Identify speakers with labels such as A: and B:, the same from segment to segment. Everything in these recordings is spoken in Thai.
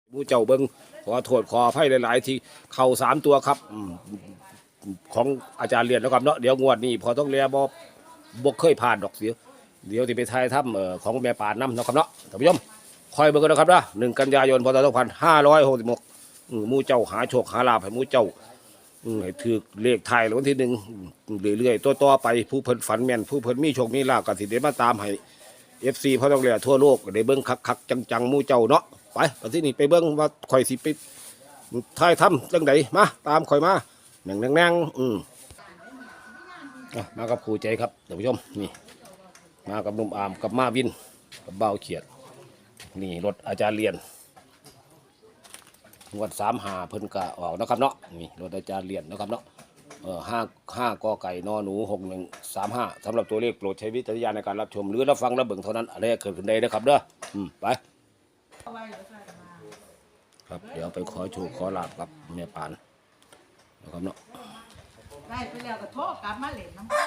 A: ผู้เจ้าเบิ้งขอโทษขออภัยหลายๆที่เข่า3 ตัวครับของอาจารย์เรียนแล้วครับเนาะเดี๋ยวงวดนี้พอต้องเรียบ่เคยผ่านดอกเดี๋ยวที่ไปทายถ้ำของแม่ป่านน้ำนะครับเนาะท่านผู้ชมคอยเบิ่งกันนะครับนะ1 กันยายนพศ2566หมู่เจ้าหาโชคหาลาภให้หมู่เจ้าให้ถือเลขไทายวันที่1เรื่อยๆต่อไปผู้เพิ่นฝันแม่นผู้เพิ่นมีโชคมีลาภก็สิได้มาตามให้FC พอต้องเรียทั่วโลกได้เบิ่งคักๆจังๆหมู่เจ้าเนาะไปตอนที่นี่ไปเบิ่งว่าข่อยสิไปทายถ้ำจังไดมาตามข่อยมาแน่งมากับครูใจครับท่านผู้ชมนี่มากับหนุ่มอามกับมาวินกับเบ้าเขียดนี่รถอาจารย์เรียนงวด35เพิ่นกะออกนะครับเนาะนี่รถอาจารย์เรียนนะครับเนาะ5 กไก่นหนู6135สำหรับตัวเลขโปรดใช้วิจารณญาณในการรับชมหรือรับฟังรับเบิ่งเท่านั้นอะไรเกิดขึ้นได้นะครับเด้อไปครับเดี๋ยวไปขอโชคขอลาบกับแม่ปานนะครับเนาะ
B: ได้ไปแล้วก็โทษกลับมาเล่นน้ำ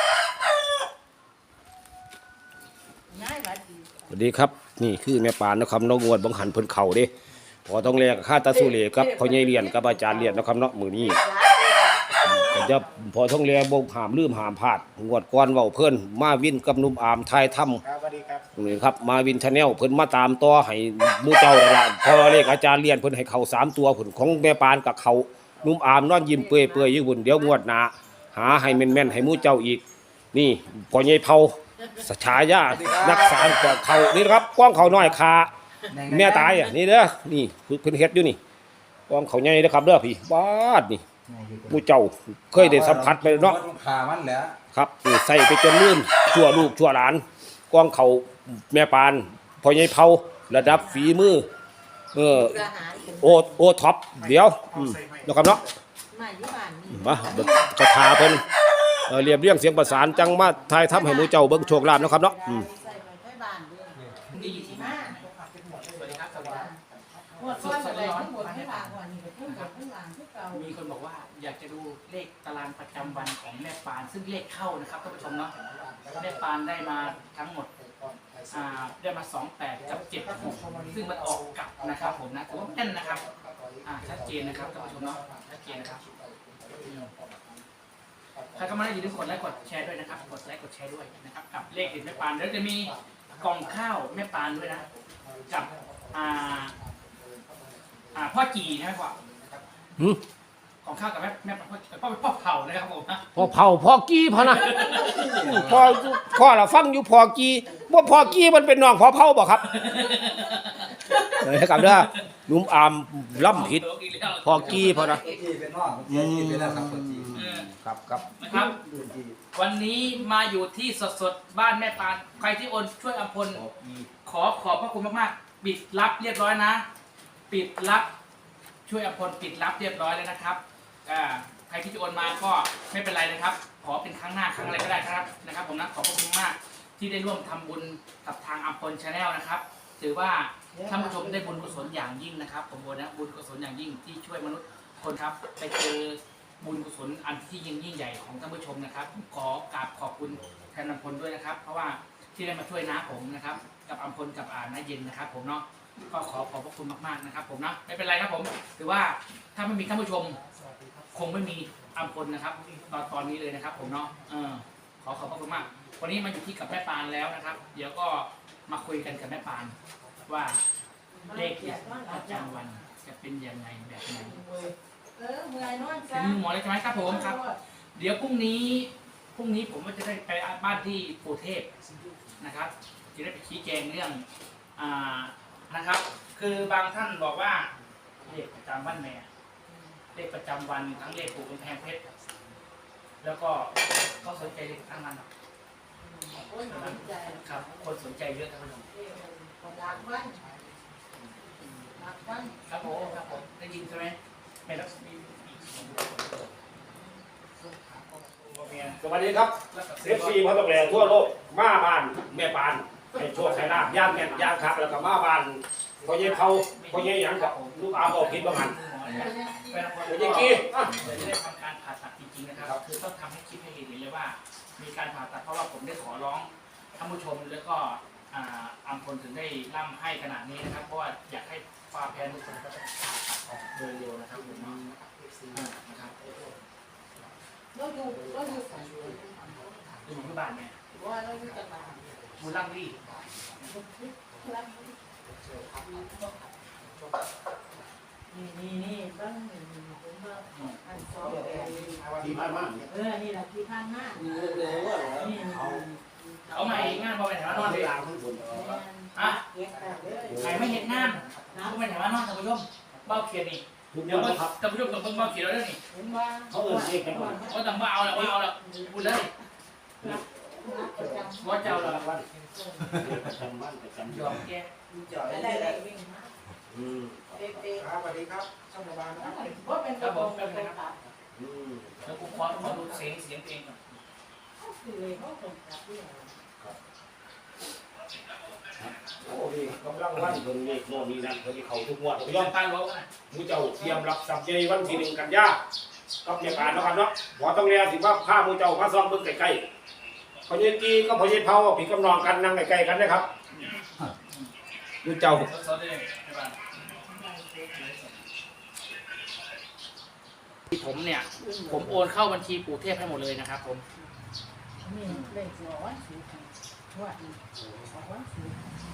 B: ง่ายดี
A: สวัสดีครับนี่คือแม่ปานนะครับน้องงวดบังหันเพิ่นเข่าเด้พอต้องแลกค่าตาสุเลครับพ่อใหญ่เรียนกับอาจารย์เรียนนะครับเนาะมื้อนี้ก็จะพอต้องแลบ่ห้ามลืมห้ามพลาดงวดก่อนเว้าเพิ่นมาวินกับหนุ่มอามทายถ้ำ
C: ครับสวัสดีครับ
A: นี่ครับมาวินชาแนลเพิ่นมาตามต่อให้หมู่เจ้านั่นล่ะพอเลขอาจารย์เรียนเพิ่นให้เข้า3 ตัวผลของแม่ปานกับเขาหนุ่มอามนอนยิ้มเปื่อยๆอยู่พุ่นเดี๋ยวงวดหน้าหาให้แม่นๆให้หมู่เจ้าอีกนี่พ่อใหญ่เผาฉายานักสารกเขานี่ครับกว้างเขาน้อยคาแม่ตายนี่เด้อนี่เพิ่นเฮ็ดอยู่นี่กว้างเขาใหญ่เด้อครับเด้อพี่บาดนี่หมู่เจ้าเคยได้สัมผัสไปเนาะ
C: ขามันแหละ
A: ครับใส่ไปจนลื่นชั่วลูกชั่วหลานกว้างเขาแม่ปานพ่อใหญ่เผาระดับฝีมือโอท็อปเดี๋ยวนะครับเนาะมาจะทาเพิ่นเรียบเรียงเสียงประสานจังมาทายทำให้หมู่เจ้าเบิ่งโชคลาภนะครับเนาะ
D: มีคนบอกว่าอยากจะดูเลขตารางประจำวันของแม่ปานซึ่งเลขเข้านะครับท่านผู้ชมเนาะแม่ปานได้มาทั้งหมดได้มา28กับ76ซึ่งมันออกกลับนะครับผมนะถือว่าแน่นนะครับชัดเจนนะครับท่านผู้ชมเนาะชัดเจนนะครับใครเข้ามาได้อย่าลืมกดไลค์กดแชร์ด้วยนะครับกดไลค์กดแชร์ด้วยนะครับกับเลขเด็ดแม่ปานแล้วจะมีกล่องข้าวแม่ปานด้วยนะกับพ่อจีนะครับของข้าวกับแม่พ่อเผานะครับผมนะ
A: พ่อเผาพ่อกี้พอนะพ่อเราฟังอยู่พ่อกี้ว่าพ่อกี้มันเป็นน้องพ่อเผาบ่ครับเลยครับเด้อนุ่มอามล่ำผิดพ่อกี้พอนะครับ
D: นะครับวันนี้มาอยู่ที่สดบ้านแม่ปานใครที่โอนช่วยอำพลขอบพระคุณมากๆปิดรับเรียบร้อยนะปิดรับช่วยอภพลปิดรับเรียบร้อยแล้วนะครับใครที่จะโอนมาก็ไม่เป็นไรนะครับขอเป็นครั้งหน้าครั้งอะไรก็ได้นะครับผมนะขอบคุณมากที่ได้ร่วมทำบุญกับทางอภพลชาแนลนะครับถือว่าท่านผู้ชมได้บุญกุศลอย่างยิ่งนะครับผมบอกนะบุญกุศลอย่างยิ่งที่ช่วยมนุษย์คนครับไปเจอบุญกุศลอันที่ยิ่งใหญ่ของท่านผู้ชมนะครับขอกราบขอบคุณแทนอภพลด้วยนะครับเพราะว่าที่ได้มาช่วยน้าผมนะครับกับอภพลกับน้าเย็นนะครับผมเนาะก็ขอบพระคุณมากๆนะครับผมนะไม่เป็นไรครับผมถือว่าถ้าไม่มีท่านผู้ชมคงไม่มีอภพลนะครับตอนนี้เลยนะครับผมเนาะขอบพระคุณมากวันนี้มาอยู่ที่กับแม่ปานแล้วนะครับเดี๋ยวก็มาคุยกันกับแม่ปานว่าเลขประจำวันจะเป็นยังไงแบบไหนถึงหมอเลยใช่ไหมครับผมครับเดี๋ยวพรุ่งนี้ผมก็จะได้ไปบ้านที่ปู่เทพนะครับจะได้ไปชี้แจงเรื่องนะครับคือบางท่านบอกว่าเลขประจำวันแม่เลขประจำวันทั้งเลขปู่กำแพงเพชรแล้วก็เขาสนใจเลขทั้งนั้นครับคนสนใจเยอะทั้งนั้นครับผมได้ยินใช่ไหมไม่รับ
A: สวัสดีครับFC พ่อต้องแลทั่วโลกมาบ้านแม่ปานให้โชคให้ลาภย่างแม่นย่างคักแล้วก็มาบ้านพ่อใหญ่เผาพ่อใหญ่หยังกับลูกอาบอกผิดบ่หันพ่อใหญ่กี้
D: ได้ทำการผ่าตัดจริงๆนะครับคือต้องทำให้คลิปให้เห็นเลยว่ามีการผ่าตัดเพราะว่าผมได้ขอร้องท่านผู้ชมแล้วก็อภพลถึงได้ร่ำให้ขนาดนี้นะครับเพราะว่าอยากให้ความแพ้ทุกคนก็จะออกโดยเร็วนะครับผมนะครับ
B: เราอยู่ใส่
D: ดูที่บ้านเนี่ย
B: ว่าเราอยู่จังหวัด
D: มูลังลี่
B: นี่บ้างผมว่าอันซอ
A: ที่บ้านมาก
B: นี่แหละที่ข้างหน้านี่
D: เขาใหม่งานพอไปไหนมานอนเลย
A: ล้างทั้งคน
D: อ่ะ
B: เก็บแต่เลย
D: ใครไม่เห็นงานเขาไปไหนมานอนท่านผู้ชมเบ้าเขียนนี่
A: ทุกอ
D: เดี๋ย
A: ย่าว งครับ
D: ท่านผู้ชมต้องเบิ่งเบ้าเขียนเราด้วยนี่
B: เห็นว่า
A: เขาเอิ้นเรียกกันว่า
D: ว่าต้องว่าเอาแล้วพูดเลยว่าเจ้าเรา
A: วันประจำบ้านประจำ
D: ยอมแก
B: ได้ได้วิ่งมาเด็ก
C: ครับสวัสดีครับช่างประมาณนะครับ
B: ๆว่าเป็นระบบเป็นระบบ
D: แล้วกูขอดูเสียงตัวเองก่อน
B: คือเลยเขาตรงกับที่
A: โอ้นี่กำลังวันเพิ่นเลขโน่นนี่นั่นเพิ่นเขาทุกงวดผมย
D: ย
A: อ
D: อ
A: ม
D: มการร้องนะ
A: มูเจ้าเตรียมรับทรัพย์ใหญ่วันที่1 กันยากับเมียการนะครับเนาะบ่ต้องแลสิว่าพามูเจ้ามาซ่องเบิ่งใกล้ๆพอเย็นกีก็พอเย็นเผาพี่กำนองกันนั่งใกล้ๆกันนะครับมูเจ้า
D: สดๆเลยใช่ป่ะผมเนี่ยผมโอนเข้าบัญชีปู่เทพให้หมดเลยนะครับผม
B: นี่เลขร้อยสิบว่าร้อยสิบ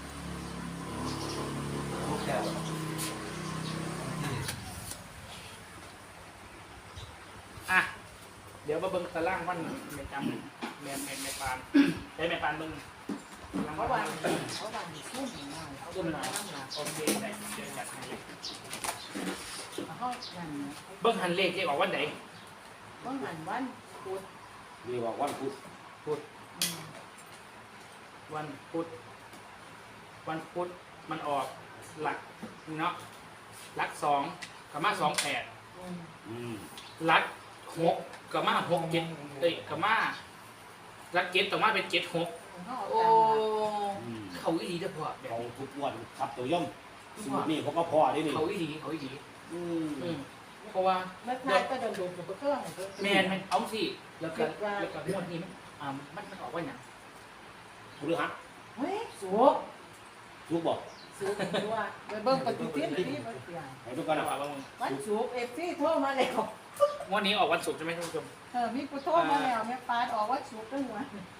D: อ่ะเดี๋ยวมาเบิ่งตารางวันแม่จำแม่ปานได้แม่ปานเบิ่ง
B: เขาวันซุ่มหน่อยเขา
D: ซุ่มหน่อย
B: น้ำหนัก
D: โอเคได้เดี๋ยวจัดให้เลย
B: เขานั่น
D: เบิ่งหันเลขที่ออกวันไหน
B: ว่าหันวันพุธ
A: นี่ว่าวันพุธ
D: วันพุธมันออกหลักเนาะหลัก2กับมา28
A: อืม
D: หลัก6กับมา6 7เอ้ยกับมาหลัก7ต่อมาเป็น7 6
B: เขา
D: โอ้
A: อืม
D: เขาอีหลีเด้อพ่อแบบ
A: เขาทุกงวดครับตัวย่อมสูตรนี่เขาก็พอได้นี่
D: เขาอีหลี
A: อืม
D: เพราะว่า
B: แล้วทายก็จะดูกับเครื่อง
D: แมนเอาสิแล้วก็งวดนี้มันออกว่าอย่าง
A: คุณรู้ฮะ
B: เฮ้ยสูบ
A: ทุกบอก
B: สูบตัวไปเบิ่งปฏิทินที่มันเปลี่ยน
A: ให้ทุกคน
D: เอา
A: นะ
D: ว่ามึง
B: วันสูบเอฟซีโทรมาแล้ว
D: งวดนี้ออกวันศุกร์ใช่ไหมท่านผู้ชม
B: มีผู้โทรมาแล้วแม่ปานออกว่าสูบตั้งวัน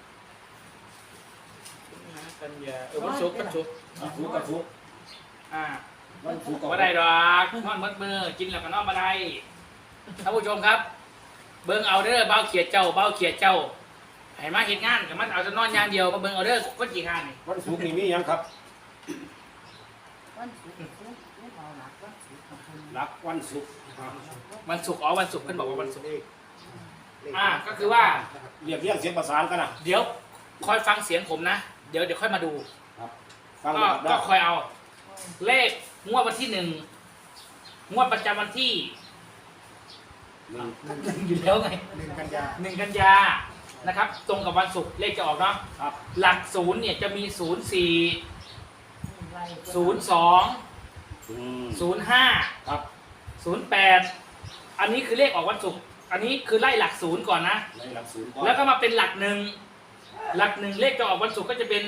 D: กันยาวันศุกร์
A: ทุกกับทุก วันทุกกับ
D: ก็ได้ดอกนอนมัดมือกินแล้วก็นอนมาได้ท่านผู้ชมครับ เบิ่งเอาเด้อเบ้าเขียดเจ้าให้มาเห็นงานกับมันเอาจะนอนอย่างเดียวมาเบิ่งเอาเด้อก็กี่งานนี่
A: วันศุกร์นี่มียังครับ
B: วันสูบไม่เมาหนักวันสูบของคุณ
A: รักวันศุกร์
D: วันศุกร์วันศุกร์เพิ่นบอกว่าวันศุกร์ก็คือว่า
A: เรียกเรียงเสียงประสานกันนะ
D: เดี๋ยวคอยฟังเสียงผมนะ เดี๋ยวค่อยมาดู
A: ฟัง
D: ก็
A: นะครับได้
D: ก็คอยเอา เลขงวดวันที่1งวดประจำวันที่
A: หนึ่ง
D: อยู่แล้วไง
C: 1 กันยา
D: 1 กันยานะครับ ตรงกับวันศุกร์เลขจะออกเนาะ
A: ครับ
D: หลักศูนย์เนี่ยจะมี 04
B: ไล่
D: 02
A: อืม
D: 05
A: ครับ
D: 08 อันนี้คือเลขออกวันศุกร์อันนี้คือไล่หลักศูนย์ก่อนนะ
A: ในหลักศูนย์ก่อน
D: แล้วก็มาเป็นหลักหนึ่งเลขจะออกวันศุกร์ก็จะเป็น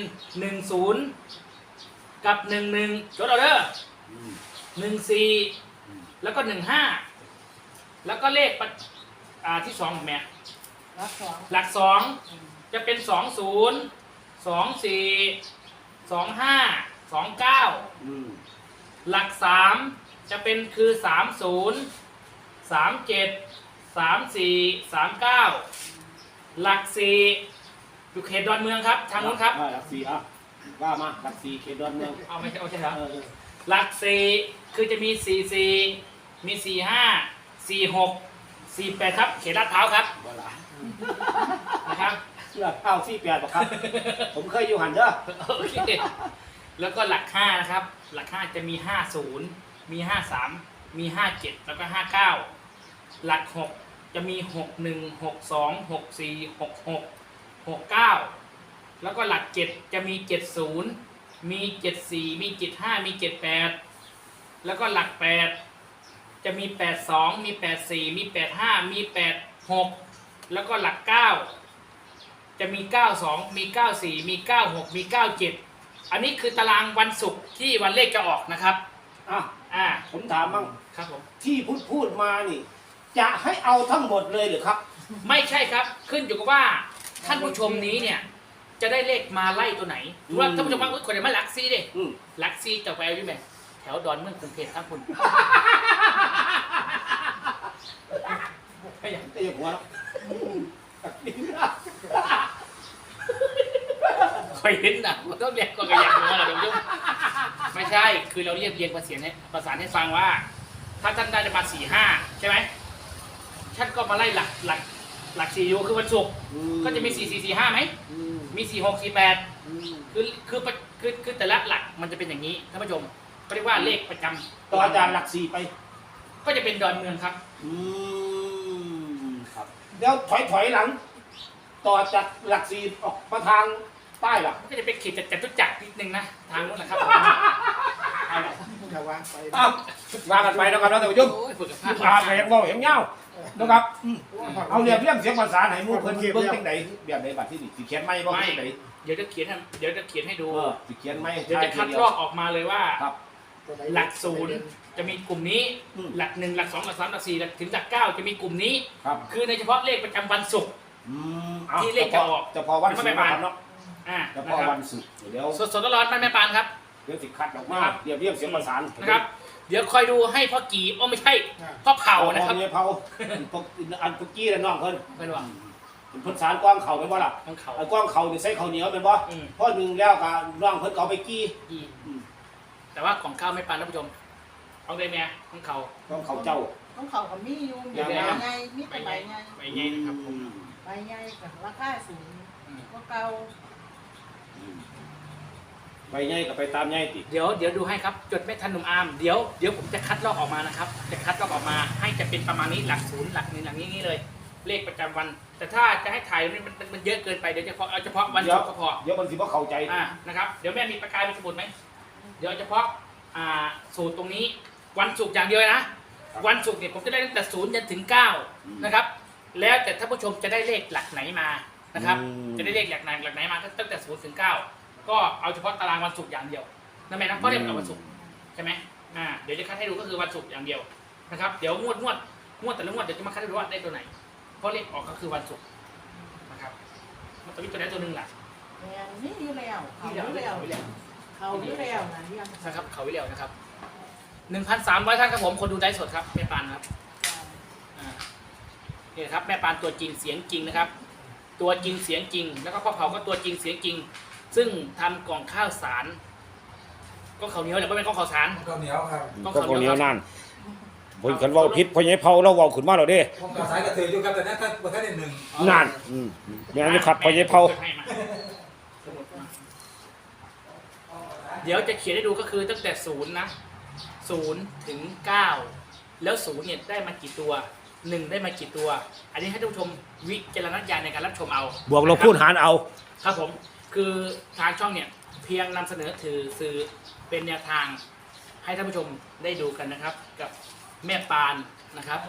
D: 10กับ11จดเอาเด้อ
A: อืม
D: 14แล้วก็15แล้วก็เลขที่2ของแม่
B: รับสอง
D: หลัก2จะเป็น20 24 25 29
A: อืม
D: หลัก3จะเป็นคือ30 37 34 39 หลัก4อยู่เขตดอนเมืองครับทางนู้นครับ
A: หลักสี่อ่ะว่ามาหลักสี่เขตดอนเมือง
D: เอาไม่ใช่เหรอ
A: เออ
D: หลัก4คือจะมี44มี45 46 48ครับเขตลาดพร้าวครับ
A: ว่าละ
D: นะครับ
A: เลือกเข้าที่8ป่ะครับ ผมเคยอยู่หันเด้อ
D: โอเคแล้วก็หลัก5นะครับหลัก5จะมี50มี53มี57แล้วก็59หลัก6จะมี61 62 64 66 69แล้วก็หลัก7จะมี70มี74มี75มี78แล้วก็หลัก8จะมี82มี84มี85มี86แล้วก็หลัก9จะมี92มี94มี96มี97อันนี้คือตารางวันศุกร์ที่วันเลขจะออกนะครับ
A: อ่ะผมถามบ้าง
D: ครับผม
A: ที่พูดมานี่ จะให้เอาทั้งหมดเลยหรือครับ
D: ไม่ใช่ครับขึ้นอยู่กับว่าท่านผู้ชมนี้เนี่ยจะได้เลขมาไล่ตัวไหนหรือว่าท่านผู้ชมว่าคนไหนมาหลักซีดิ
A: อืม
D: หลักซีจะไปเอาอยู่ไหมแถวดอนเมืองกรุงเทพทั้งคุณ
A: ไม่อยากจะหัวแล้ว
D: เคยเห็นนะมันต้องเรียกก็กระยักหัวเราเดี๋ยวไม่ใช่คือเราเรียบเรียงประสานให้ฟังว่า ถ้าท่านได้จะมา4-5ใช่ไหมท่านก็มาไล่หลัก4อยู่คือวันศุกร์ก็จะมี4-4-4-5ไหมมี4-6-4-8คือแต่ละหลักมันจะเป็นอย่างนี้ท่านผู้ชมเขาเรียกว่าเลขประจำ
A: ต่ออาจารย์หลักสี่ไป
D: ก็จะเป็นดอนเมืองครับ
A: ครับเดี๋ยวถอยหลัง ต่อจากหลักสี่ออกมาทางใต้หรอ
D: ก็จะเป็นขีดจตุจักรนิดนึงนะทางนู้นแหละครับเอาละ
C: อย่าวางไป
A: อ้าววางกันไปนะครับท่านผู้ชม
D: โอ้ยฝึกกับภาพ
A: อ่านเห็นบ่เห็นเงานะครับเอาเรียบเรียงเสียงภาษาไหนมูเพิ่นเบิ่งจังไดแบบใดบัดที่นี่สิเขียนไหมบ่จังได
D: เดี๋ยวจะเขียนให้ดู
A: สิเขียนไหม
D: เดี๋ยวจะคัดลอกออกมาเลยว่า
A: ครับ
D: หลักศูนย์จะมีกลุ่มนี้ หลัก1หลัก2หลัก3หลัก4ถึงหลัก9จะมีกลุ่มนี้
A: ครับ
D: คือในเฉพาะเลขประจำวันศุกร์ ที่เลขจะออก
A: จะพอวันศุกร์นะครับเนาะ จะพอ
D: นะครับ
A: วันศุกร์เดี๋ยว
D: สดๆร้อนๆบ้านแม่ปานครับ
A: เดี๋ยวสิคัดออกมา
D: ครับ
A: เรียบเรียงเสียงภาษา
D: นะครับ เดี๋ยวคอยดูให้พ่อกี่ไม่ใช่พ่อเผานะครับ
A: เนี่ยเผาพวกอันพวกกี้และน้องเพิ่น
D: เป็นว่า
A: เพิ่นสารกว้างเข่าเป็นบ่ล่ะ
D: ของเขา
A: ไอ้กว้างเข่านี่ใส่ข้าวเหนียวเป็นบ่
D: อืม
A: พอหนึ่งแล้วก็น้องเพิ่นก็เอาไปกี้
D: อีแต่ว่าของข้าวไม่ปานท่านผู้ชมเอาได้ไหมของเขา
A: กว้างเข่าเจ้า
B: ต้องเขากับมีอยู่
A: อย่า
B: ใบ
A: มา
B: ใหญ่มีแต่ใบใหญ่
D: ไปไงนะครับผม
B: ใบใหญ่กับราคาสูงก็เก่า
A: ไปไงก็ไปตามไงติ
D: เดี๋ยวดูให้ครับจดไม่ทันหนุ่มอาร์มเดี๋ยวผมจะคัดลอกออกมานะครับจะคัดลอกออกมาให้จะเป็นประมาณนี้หลักศูนย์หลักหนึ่งหลักนี้เลย เลขประจำวัน แต่ถ้าจะให้ถ่ายมันเยอะเกินไปเดี๋ยวเอาเฉพาะวันศุกร์ก็พอ
A: เดี๋ยวมันสิบ่เข้าใจ
D: นะครับเดี๋ยวแม่มีประกายมีสมุดไหมเดี๋ยวเฉพาะสูตรตรงนี้วันศุกร์อย่างเดียวนะวันศุกร์เนี่ยผมจะได้ตั้งแต่0จนถึง9นะครับแล้วแต่ท่านผู้ชมจะได้เลขหลักไหนมานะครับจะได้เลขหลักไหนมาตั้งแต่0ถึง9ก็เอาเฉพาะตารางวันศุกร์อย่างเดียวนั่นหมายนะเพราะเรียกว่าวันศุกร์ใช่ไหมเดี๋ยวจะคัดให้ดูก็คือวันศุกร์อย่างเดียวนะครับเดี๋ยวงวดแต่ละงวดเดี๋ยวจะมาคัดให้ดูว่าได้ตัวไหนเพราะเลขออกก็คือวันศุกร์นะครับมันจะมีตัวไหนตัวหนึ่งแหละ
B: แม่นี่อยู่แล้วเขา
D: ที่
B: อยู่
D: เดียว
B: แล้วเขาอยู่แล้วนะเรื่อง
D: นะครับเขาวิเลียวนะครับ 1,300 ท่านครับผมคนดูไลฟ์สดครับแม่ปานครับนี่นะครับแม่ปานตัวจริงเสียงจริงนะครับ ตัวจริงเสียงจริง แล้วก็พ่อเผาก็ตัวจริงเสียงจริง ซึ่งทำกล่องข้าวสารก็ข้าวเหนียวแต่ไม่เป็นกล่องข้าวสาร
C: ข้าวเหนียวครับ
A: ก็คนเหนียวนั่นเพิ่นคันเว้าผิดเพราะไงเผาเราเว้าขึ้นมาแล้วเด้
C: ผมก็สายกระเทยอยู่ครับแต่นั้นท่านได้หนึ่ง
A: นั่นแม่นอยู่ครับเพราะไงเผา
D: เดี๋ยวจะเขียนให้ดูก็คือตั้งแต่0นะ0ถึง9แล้ว0เนี่ยได้มากี่ตัว1ได้มากี่ตัว อันนี้ให้ท่านผู้ชมวิจารณญาณในการรับชมเอา
A: บวกลบคูณหารเอา
D: ครับผมคือทางช่องเนี่ยเพียงนำเสนอสื่อเป็นแนวทางให้ท่านผู้ชมได้ดูกันนะครับ กับแม่ปานนะครับ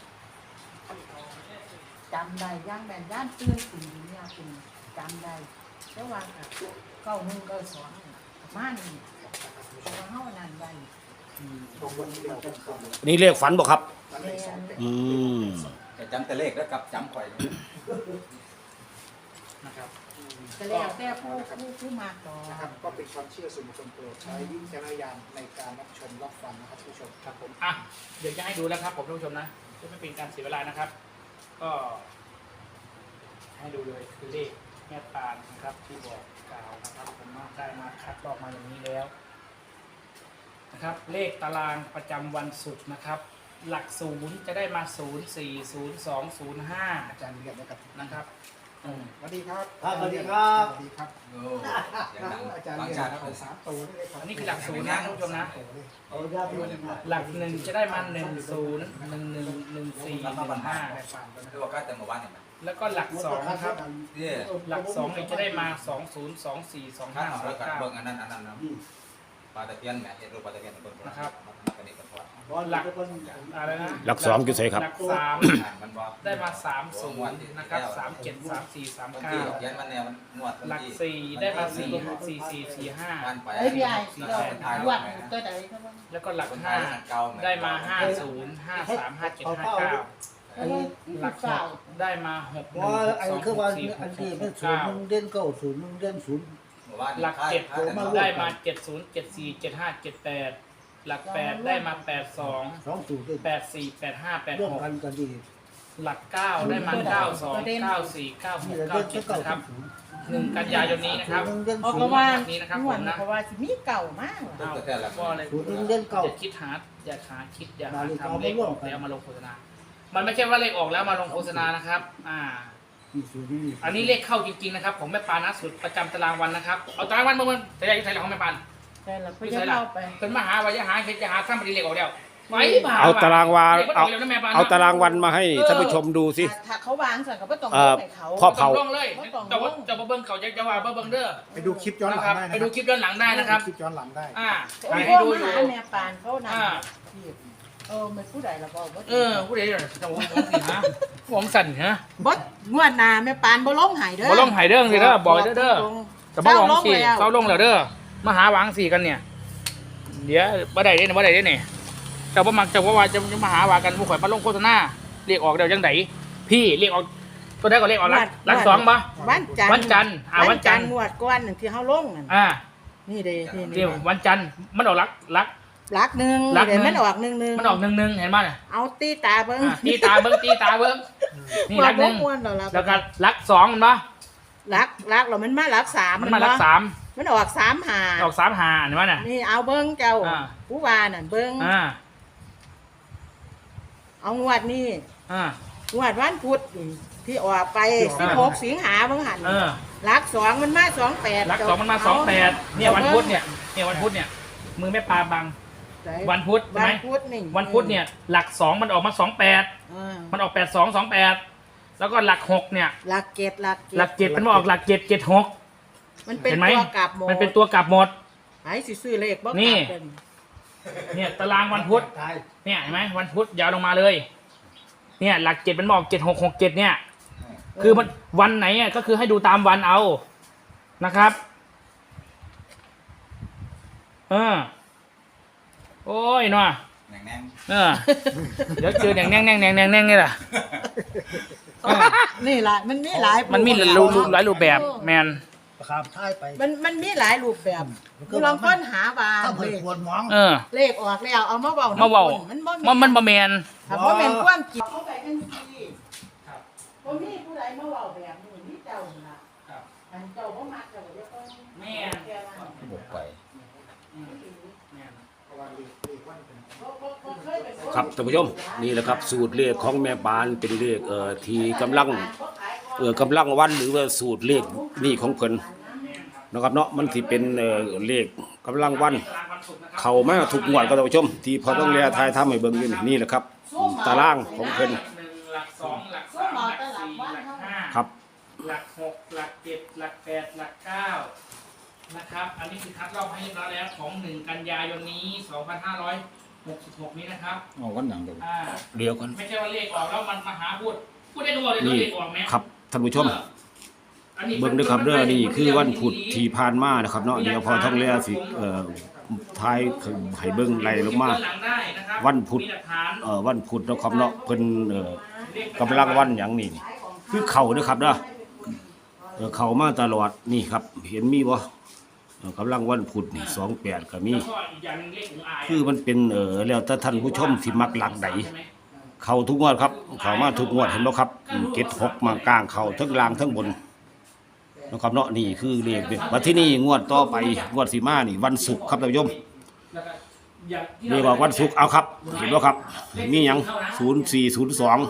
B: จำได้ย่างแม่นย่านตื่นตื่นเนี่ยเป็นจำได้แต่ว่า91 92ประมาณนี้แต่ว่าเฮานั่นได้
A: นี่เลขฝันบ่ครับ
B: แม่น
C: แต่จำแต่เลขแล้วกับจำข่อย
D: นะครับ
B: ก็แล้วแต่ผู้มาต่อ
C: นะครับก็เป็นความเชื่อส่วนบุคคลโปรดใช้วิจารณญาณในการรับชมรับฟังนะครับผู้ชมครับผม
D: อ่ะเดี๋ยวจะให้ดูแล้วครับผมท่านผู้ชมนะเพื่อไม่เป็นการเสียเวลานะครับ ก็ให้ดูเลยคือเลขแม่ปานนะครับที่บอกกล่าวนะครับผมมาได้มาคัดลอกมาอย่างนี้แล้วนะครับ เลขตารางประจำวันศุกร์นะครับ หลักศูนย์จะได้มา0 4 0 2 0 5
C: อาจารย์เรียนนะครับ
D: นะครับ
C: สวัสดีครับ
A: ครับสวัสดีครับ
C: สวัสดีครับ
E: โอ้
C: อาจารย์
E: บาง
C: เรียน
E: ชาติ
C: เอา3ตัวนี่เลยครับ
D: อันนี้คือหลักศูนย์นะท่านผู้ชมนะ
C: เอาญาติพี่น้อง
D: หลักหนึ่งจะได้มา1 0 1 1 1 4 1 5
E: คือว่าก็แต่เมื่อวานเนี่ยมัน
D: แล้วก็หลักสองนะครับ
E: เนี่ย
D: หลัก2เนี่ยจะได้มา2 0 2 4 2
E: ข้าง
D: 5
E: เอาแล้วกัน
D: 2
E: เบิ่งอันนั้นนะ
D: 9
E: ปลาตะเพียนแม่เห็นรูปปลาตะเพียนเป็นคน
D: นะครับ
E: เป็นเอกลักษณ์
C: บอลหลักเป็น
D: อะไรนะ
A: หลักสองคือไสครับ
D: หลักสาม
E: มันบอก
D: ได้มา30นะครับ37 34
E: วันที่
D: 39
E: เขียนมันเนี่ยมันงวด
D: หลัก4ได้มา4 4 4 4
E: วันไป
B: เอ้ยพี่ไอ้
E: สี่
B: เรา
E: เป็นทาย
B: วัดตัวใดเขาบ้าง
D: 5แล้วก็หลัก
E: คนไทยเก่า
D: 5ได้มา50 53 57 59
B: อันนี้
D: หลัก
B: เฝ้า
D: 6ได้มา6
F: ว่าไอ้คือว่า
D: 1
F: อัน
D: 2
F: ที่
D: 3
F: มัน
D: 4
F: ศูนย์
D: 6
F: มึงเด่นเก้าศูนย์มึงเด่นศูนย์
D: หลัก7ได้มา70 74 75 78หลัก8ได้มา82
F: สองศูนย์เด่น
D: 84 85
F: ร่วมกัน
D: 86
F: กันดี
D: หลัก9ได้มา92 94
F: นี่
D: 96
F: เราเด่นแค่
D: 97
F: เก้า
D: นะครับ
F: ศูนย์
D: 1 กันยายนนี้นะครับ
F: มึงเด่น
B: ออก
F: ศู
B: ก
F: น
B: ระ
F: ย์
B: วาน
D: นี้นะครับ
B: ห
D: ผ
B: วาน
D: มนะ
B: เพราะว่าสิมีเก่ามากว่ะ
D: เอาก็เลย
F: ศูนย์มึงเด่นเก้า
D: อย่าคิดหาอย่าคิดอย่าหาทำเลขออกแล้วมาลงโฆษณา มันไม่ใช่ว่าเลขออกแล้วมาลงโฆษณานะครับ
F: มีศูนย์นี่
D: อันนี้เลขเข้าจริงๆนะครับของแม่ปานนะสุดประจำตารางวันนะครับ เอาตารางวันมันแต่ยังใส่ของแม่ปาน
B: ใช่แล้วก็จะเล่าไป
D: เป็นมหาวายหาเห็นจะหาข้ามปฏิเลขออกแล้วไว้ผ่า
A: เอาตารางวา
D: เลขมันออกแล้วนะแม่ปาน
A: เอาตารางวันมาให้ท่านผู้ชมดูสิ
B: ถ้าเขาวางสั่งก็ไม่ต้อง
A: เ
B: ให้เขา
A: พ่อ
D: เผาลงเลยแต่ว่าจะมาเบิ้งเขาจะว่าเบิ้งเด้อ
C: ไปดูคลิปย้อนหลัง
D: นะครับ
C: ได้นะ
D: ไปดูคลิปย้อนหลังได้นะครับ
C: คลิปย้อนหลังได้
B: โอ้ย
D: ให้ดู
B: มา
D: อยู่
B: หาแม่ปานเขานั่น
D: อ่า
B: ไม่ผู้ใดละบอกว่า
D: ผู้ใดเนี่ยจะผมสิฮะผมสั่นฮะ
B: บดงวดหน้าแม่ปานบ่ลงหายเด้อ
D: บ่ลงหายเด้อสิเด้อบอกเด้อ แต่บ่หวังสี่
B: เศร้าลงแล้ว
D: เศร้าลงแล้วเด้อมาหาหวังสี่กันเนี่ย เดี๋ยวบ่ได้เด้เนี่ยบ่ได้เด้เนี่ยเจ้าบ่มักเจ้าว่าจะมาหาว่ากันผู้ข่อยมาลงโฆษณาเรียกออกเดี๋ยวจังไดพี่เรียกออกตัวใดก็เรียกออกรักสองบ่
B: วันจันทร์
D: วันจันทร์วันจันทร์
B: งวดก้อนหนึ่งที่เฮาลงนั่น นี่เด้นี่
D: เดี๋ยววันจันทร์มันออกรัก
B: ลักหนึ่ง
D: ลักหนึ่ง
B: เดี๋ยวมันออกหนึ่ง
D: มันออก1เห็นบ่เนี่ย
B: เอาตีตาเบิ่ง
D: ตีตาเบิ่งนี่รักหนึ่ง
B: ม้วนแล้ว
D: แล้วก็รักสองมันบ่
B: ลักแล้วมันมาลักสาม
D: มันมารักสาม
B: มันออกสามหา
D: ออก3 5เห็นบ่เนี่ย
B: นี่เอาเบิ่งเจ้า
D: อ่า
B: ผู้ว่านั่นเบิ่งเอางวดนี่งวดวันพุธนี่ที่ออกไป16สิงหาเบิ่งหันลักสองมันมา28
D: รักสองมันมา28เนี่ยวันพุธเนี่ยวันพุธเนี่ยมือแม่ปลาบังวันพุธใช่ไหม
B: วันพุธนี่
D: วันพุธเนี่ยหลัก2มันออกมา28มันออก8228แล้วก็หลัก6เนี่ย
B: หลักเกต
D: หลัก7มันมาออกหลัก7 76
B: มันเป็น
D: เห็นไหม
B: ตัวกลับหมด
D: มันเป็นตัวกลับหมด
B: ไอ้สิซื้อเลขบ่กลับ
D: นี่
B: เป็น
D: เนี่ยตารางวันพุธ
F: ตาย
D: เนี่ยเห็นไหมวันพุธยาวลงมาเลยเนี่ยหลัก7มันมาออก7667เนี่ยคือมันวันไหนอ่ะก็คือให้ดูตามวันเอานะครับโอ้ยเนาะ
E: แน่ง
D: เดี๋ยวเจอแน่งนี่แหละ
B: นี่ล่ะมันมีหลาย
D: มันมีหลายรูปแบบแมน
F: ประคามท้ายไป
B: มันมีหลายรูปแบบคือลองค้นหาว่า
F: ถ้าเพิ่นควรมอง
B: เลขออกแล้วเอามาเว้า
D: มาเว้า
B: มันบ่
D: มันบ่แมน
B: ถ้าบ่แม่นความจริงเอาไปกันสิบ่มีผู้ใดมาเว้าแบบนี้มีเจ้าล่ะอันเจ้าบ่มักเจ้าก็จะต้อง
D: แม่น
E: ๆบุกไป
A: ครับท่านผู้ชมนี่แหละครับสูตรเลขของแม่ปานเป็นเลขที่กำลังวันหรือว่าสูตรเลขนี่ของเพิ่นนะครับเนาะมันสิเป็นเลขกำลังวันเข้ามาทุกงวดก็ท่านผู้ชมที่พอต้องแลทายทำให้เบิ่งอยู่นี่แหละครับตารางของเพิ่น
D: หลัก2หลัก3หลัก4หลัก5
A: ครับ
D: หลัก6หลัก7หลัก8หลัก9นะครับอันนี้คือคัดลอกให้เรียบร้อยแล้วของ1กันยายนนี้2566นี้นะครับ
E: อ๋อวันหนังเดี๋ยว
A: เดี๋ยวกัน
D: ไม่ใช่ว่าเลขออกแล้วมันมาหาพูดได้ก็บอกเลย
A: นี่
D: เลขออกไหม
A: ครับท่านผู้ชม
D: อันนี้
A: เบิ่งด้วยครับเด้อนี่คือวันพุธที่ผ่านมานะครับเนาะเดี๋ยวพอท่องแล้วสิทายให้เบิ่งไล่ลงมา
D: หลังได้นะครับ
A: วันพุธ
D: มีหลักฐาน
A: วันพุธนะครับเนาะเพิ่นกำลังวันหยังนี่คือเข่าเด้อครับเด้อเข่ามาตลอดนี่ครับเห็นมีบ่กำลังวันพุธนี่28ก็มี
D: แล้วก็อีกอย่างหนึงเลขของอาย
A: คือมันเป็นแล้วแต่ท่านผู้ชมสิมักหลักใดเข้าทุกงวดครับเข้ามาทุกงวดเห็นบ่ครับเก็ด6มากลางเข้าทั้งล่างทั้งบนนะครับเนาะนี่คือเลขบัดที่นี่งวดต่อไปงวดสิมานี่วันศุกร์ครับท่านผู้ชม
D: แล้วก็อย่างที่
A: นี่ว่าวันศุกร์เอาครับเห็นบ่ครับมีหยัง0402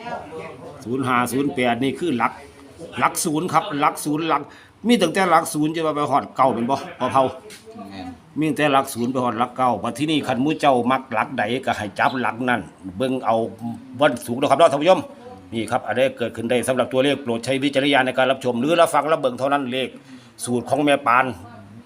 A: 0508นี่คือหลักศูนย์ครับหลักศูนย์หลักมีตั้งแต่หลักศูนย์จะไปฮอดเก่าเป็นบ่พอเผา
E: แม่น
A: มีแต่หลักศูนย์ไปฮอดหลักเก้าบัดที่นี่คันหมู่เจ้ามักหลักใดก็ให้จับหลักนั้นเบิ่งเอาวันสูงนะครับเนาะท่านผู้ชมนี่ครับอันนี้เกิดขึ้นได้สำหรับตัวเลขโปรดใช้วิจารณญาณในการรับชมหรือรับฟังรับเบิ่งเท่านั้นเลขสูตรของแม่ปาน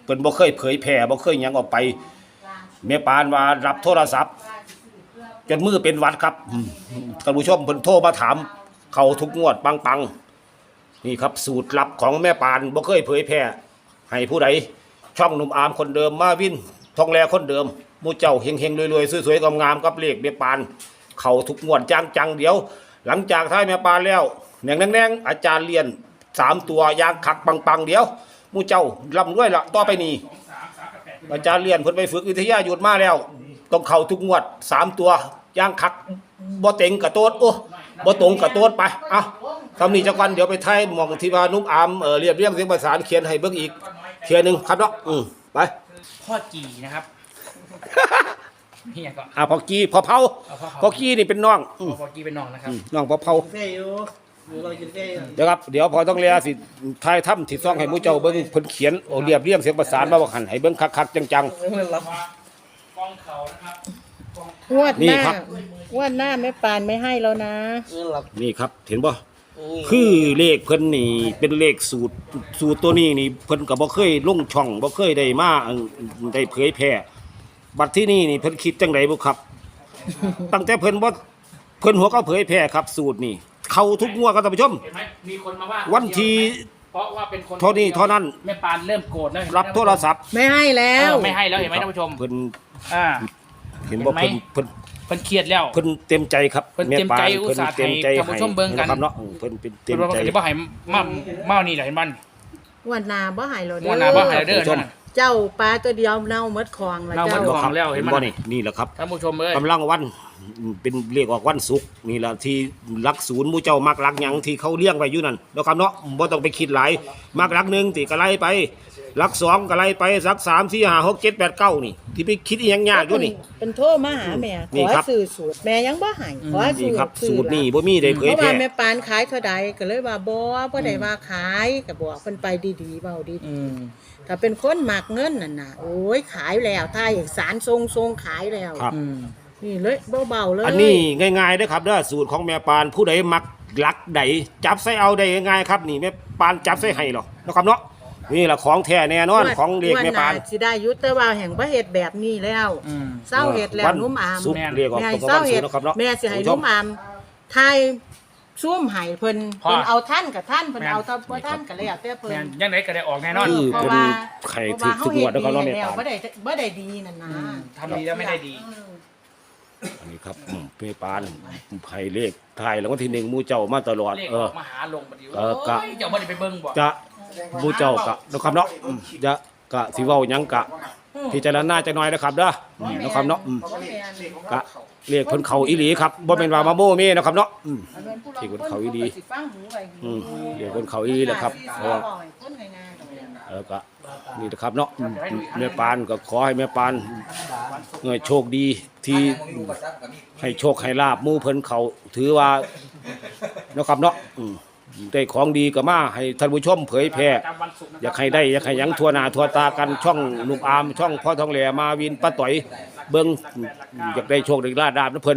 A: เพิ่นบ่เคยเผยแพร่บ่เคยหยังออกไปแม่ปานว่ารับโทรศัพท์จนมือเป็นหวัดครับท่านผู้ชมเพิ่นโทรมาถามเข้าทุกงวดปังๆนี่ครับสูตรลับของแม่ปานบ่เคยเผยแพร่ให้ผู้ใดช่องหนุ่มอามคนเดิมมาวินทองแลคนเดิมหมู่เจ้าเฮงๆรวยๆสวยๆงามๆกับเลขแม่ปานเข้าทุกงวดจังๆเดี๋ยวหลังจากท้ายแม่ปานแล้วแหน่งๆอาจารย์เรียน3ตัวยางคักปังๆเดี๋ยวหมู่เจ้าร่ำรวยละต่อไปนี้อาจารย์เรียนเพิ่นไปฝึกวิทยาหยุดมาแล้วต้องเข้าทุกงวด3ตัวยางคักบ่เต็งกะโตดโอ้บ่ตรงกะโตดไปเอ้าคำนี้จักวันเดี๋ยวไปไทยหม่องที่ว่านุ่มอามเรียบเรียงเสียงประสานเขียนให้เบิ่งอีกเทียนึงครับเนาะไป
D: พ่อจีนะครับนี่ก็
A: พอกี้พอเผาพอกี้นี่เป็นน้อง
D: พ่อจีเป็นน้องนะครับ
A: น้องพอเผา
F: เฟ่อยู่เรากินเฟ่อยู่
A: เดี๋ยวครับเดี๋ยวพอต้องเลียสิทายถ้ำที่ซ่องให้หมู่เจ้าเบิ่งเพิ่นเขียนเรียบเรียงเสียงประสานมาว่าหันให้เบิ่งคักๆจัง
D: กองเขานะครับ
B: งวดห
A: นี่
B: น้า
A: ครับ
B: งวดหน้าแม่ปานไม่ให้แล้วนะ
A: ๆนี่ครับเห็นบ่คือเลขเพิ่นนี่เป็นเลขสูตรตัวนี้นี่เพิ่นก็บ่เคยลงช่องบ่เคยได้มาได้เผยแพร่บัดที่นี่นี่เพิ่นคิดจังไดบ่ครับ ตั้งแต่เพิ่นหัวก็เผยแพร่ครับสูตรนี่เข้าทุกงวดครับท่านผู้ชม
D: เห็นไหมมีคนมาว่า
A: วันที่
D: เพราะว่าเป็นคน
A: เท่านี้เท่านั้น
D: แม่ปานเริ่มโกรธแล้วเห็นไหม
A: รับโทรศัพท์
B: ไม่ให้แล้
D: เอ
B: ว
D: อไม่ให้แล้วเห็นไหมท่านผู้ชม
A: เพิ่น
D: อ่า
A: เห็นบ่
D: เห็นไหม
A: เพิ่น
D: เพิ่นเครียดแล้ว
A: เพิ่นเต็มใจครับ
D: เพิ่นเต็มใจอุตส่าห์ให้ท่านผู้ชมเบิ่งกัน
A: ครับเนาะเพิ่นเป็นเต็
D: เพิ่
A: ม
D: นว่า
A: ใจ
D: เดี๋ยวบ่ให้มานี่แหละเห็นมัน
B: งวดหน้าบ่ให้แล้วเด้
D: ว่านาบ่ให้เด้อนั่นน่ะ
B: เจ้าปลาตัวเดียวเน่าหมดคลองแล้ว
D: เน่าหมด
B: เจ้า
D: ของแล้วเห็นมั้ย
A: บ่นี่แหละครับ
D: ท่านผู้ชมเอ้ย
A: กำลังวันเป็นเรียกออกวันศุกร์นี่ล่ะที่หลักศูนย์หมู่เจ้ามักหลักหยังที่เขาเลี้ยงไว้อยู่นั่นเนาะครับเนาะบ่ต้องไปคิดหลายมักหลักหนึงติก็ไล่ไปหลักสองก็ไล่ไปหลัก3 4 5 6 7 8 9นี่ที่ไปคิดอีหยังยากอยู่นี่
B: เป็นโทรมาหาแม่
A: นี่
B: ขอ
A: ครับ
B: สื่อสูตรแม่ยังบ่ให้ขอ
A: นี่
B: สื่อ
A: ครับ
B: สื่
A: สู
B: อ
A: ตรนี่บ่มีได้เผ
B: เพ
A: ย
B: ราะ
A: แพ
B: ว่า
A: ร่
B: แม่ปานขายเท่าใดก็เลยว่าบ่ได้ว่าขายก็บอกเพิ่นไปดีๆเว้าดี
D: อืม
B: ๆถ้าเป็นคนมักเงินนั่นน่ะโอ้ยขายแล้วถ้าเอกสารทรงขายแล้ว
A: ครับ
D: อืม
B: นี่เลยเบาๆเลย
A: อันนี้ง่ายๆเด้อครับเด้อสูตรของแม่ปานผู้ใดมักหลักใดจับใส่เอาได้ง่ายๆครับนี่แม่ปานจับใส่ให้หรอกนะครับเนาะนี่ล่ะของแท้แน่นอนของเด็กแม่ปาน
B: งวดหสิได้อยุแต่ว่าแห่งบ่เฮ็ดแบบนี้แล้ว
D: อืม
B: เศร้าเฮ็ดแล้ว
A: วัน
B: นุ่มอาม
A: ศุกร์เรียกออก
B: แม่
A: ตรง
B: เศ
A: กับ
B: ร้า
A: วันศุ
B: เฮ็
A: ก
B: ด
A: ร์นะครับเนาะ
B: แม่สิให้
A: คุณผู้ช
B: นุ่มอามทายซุ่มให้เพิ่น
D: พ่อ
B: เพิ่นเอาท่านกับท่านเพิ่นเอาถ้าบ่ท่านก็แล้วแต่เพิ่
D: แม่
B: น
D: นยังไงก็ได้ออกแน่นอน
A: คือ
B: เพราะ
A: เป็น
B: ว่า
A: ไข่
B: เพราะ
A: ถึ
B: ว่าก
A: ทุ
B: เฮาก
A: ง
B: เฮ็
A: ว
B: ด
A: ดแล้ว
B: ดี
A: ก็เนาะแม่ปาน
B: แล้วบ่ได้ดีนั่นนะ
D: ทำดีแล้วไม่ได้ดี
A: อันนี้ครับแม่ปานให้เลขถ่ายรางวัลที่1หมู่เจ้ามาตลอด
D: เลขออกมาหาลงบัดนี้
A: กะ
D: โอ้ยเจ้าบ่ได้ไปเบิ่งบ่
A: จะหมู่เจ้ากะนะครับเนาะจะกะสิเว้าหยังกะพิจารณาจักหน่อยนะครับเด้อนะครับเนาะกะเลขเพิ่นเข้าอีหลีครับบ่แม่นว่ามาโม้เม่นะครับเนาะที่เพิ่นเข้าอีหลีเลขเพิ่นเข้าอีหลีแหละครับเพราะว่าก็นี่นะครับเนาะแม่ปานก็ขอให้แม่ปานโชคดีที่ให้โชคให้ลาบหมู่เพิ่นเขาถือว่านะครับเนาะได้ของดีก็มาให้ท่านผู้ชมเผยแพร่อยากให้ได้อยากให้หยังทั่วหน้าทั่วตากันช่องลุงอามช่องพ่อทองแหล่มาวินป้าต่อยเบิ่งอยากได้โชคได้ลาบนะเพิ่น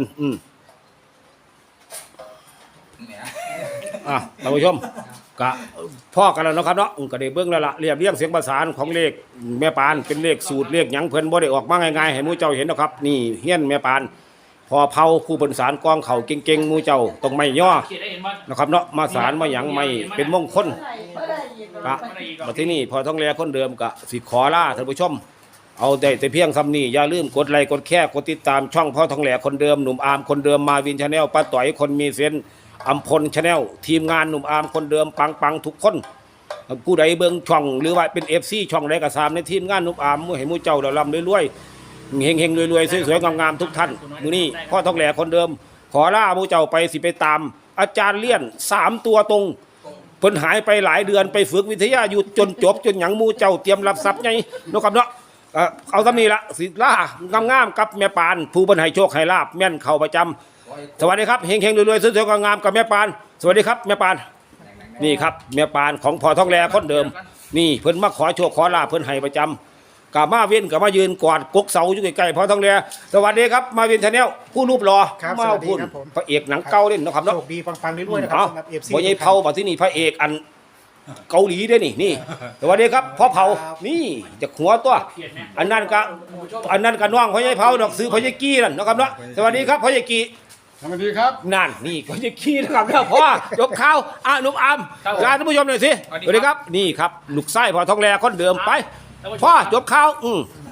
A: ท่านผู้ชมกะพ่อกันแล้วนะครับเนาะก็ได้เบิ่งแล้วล่ะเรียบเรียงเสียงประสานของเลขแม่ปานเป็นเลขสูตรเลขหยังเพิ่นบ่ได้ออกมาง่ายๆให้หมู่เจ้าเห็นนะครับนี่เฮียนแม่ปานพอเผาผู้บรรสารกองเข่าเก่งๆหมู่เจ้าต้องไม่ย่อ
D: เขียนได้เห็นว่า
A: นะครับเนาะมาสารมาหยังไม่เป็นมงคลกะมาที่นี่พอท้องแลคนเดิมกะสิขอลาท่านผู้ชมเอาได้แต่เพียงคำนี้อย่าลืมกดไลค์กดแชร์กดติดตามช่องพ่อท้องแหลคนเดิมหนุ่มอาร์มคนเดิมมาวินชาแนลป้าต่อยคนมีเซนอัมพลชาแนลทีมงานหนุ่มอาร์มคนเดิมปังทุกคนผู้ใดเบิ่งช่องหรือว่าเป็น FC ช่องใดก็ตามในทีมงานหนุ่มอาร์มมื้อให้หมู่เจ้าร่ำรวยๆเฮงๆรวยๆสวยๆงามๆทุกท่านมื้อนี้พ่อท้องแหลคนเดิมขอลาหมู่เจ้าไปสิไปตามอาจารย์เลี่ยน3ตัวตรงเพิ่นหายไปหลายเดือนไปฝึกวิทยาอยู่จนจบจนหยังหมู่เจ้าเตรียมรับทรัพย์ไงเนาะครับเนาะเอาซะนี้ละสิล่างามๆกับแม่ปานผู้เพิ่นให้โชคให้ลาบแม่นเข้าประจำสวัสดีครับเฮงๆรวยๆสวยๆงามๆกับแม่ปานสวัสดีครับแม่ปานนี่ครับแม่ปานของพ่อทองแลคนเดิมนี่เพิ่นมาขอโชคขอลาบเพิ่นให้ประจำกะมาเว้นกะมายืนกอดกกเสาอยู่ใกล้ๆพ่อทองแลสวัสดีครับมาเว้นชาแนลผู้รูปหล่อ
C: ครับ
A: มา
C: สวัสดี
A: พูด
C: ครับผม
A: พระเอกหนังเก่าเล่นเนาะครับ
C: โช
A: เนาะ
C: คดีปังๆเรื่อยๆนะครับ
A: เอา
C: สำหรับ FC
A: บ่ใหญ่เผาบ่ที่นี่พระเอกอันเกาหลีด้วยนี่สวัสดีครับพ่อเผานี่จากหัวตัว
D: เขียนไหม
A: อันนั้นก็น้องพ่อใหญ่เผาดอกซื้อพ่อใหญ่กี้นั่นนะครับเนาะสวัสดีครับพ่อใหญ่กี้
G: สวัสดีครับ
A: นั่นนี่พ่อใหญ่กี้นะครับเนาะพ่อยกข้าวหนุ่มอามลาท่านผู้ชมหน่อยสิสวัสดีครับนี่ครับลูกไส้พ่อทองแลคนเดิมไปพ่อจบข้าว